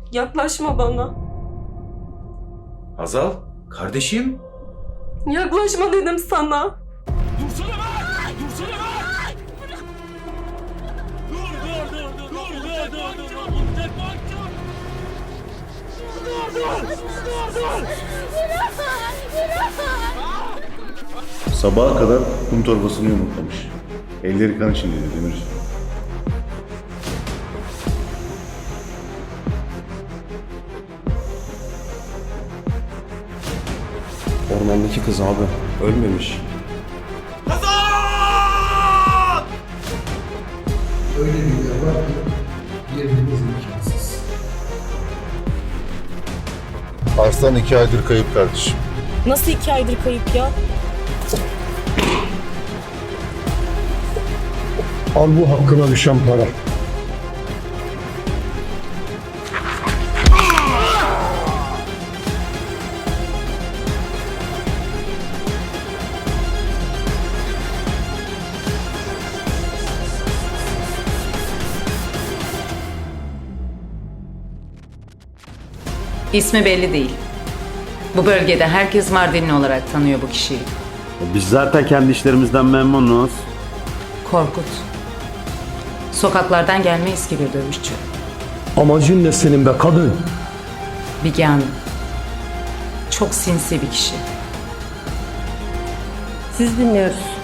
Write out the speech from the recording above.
Yaklaşma bana. Hazal, kardeşim. Yaklaşma dedim sana. Dursana bak! Dursana bak! Dur! Sabaha kadar kum torbasını yumurtlamış. Elleri kan içindeydi Demir. Ormandaki kız abi ölmemiş. Öyle bir yer var ki yerimiz imkansız. Arslan 2 aydır kayıp kardeşim. Nasıl 2 aydır kayıp ya? Al bu hakkına düşen para. İsmi belli değil. Bu bölgede herkes Mardinli olarak tanıyor bu kişiyi. Biz zaten kendi işlerimizden memnunuz. Korkut. Sokaklardan gelme eski bir dövüşçü. Amacın ne senin be kadın? Bigan. Çok sinsi bir kişi. Siz dinliyoruz.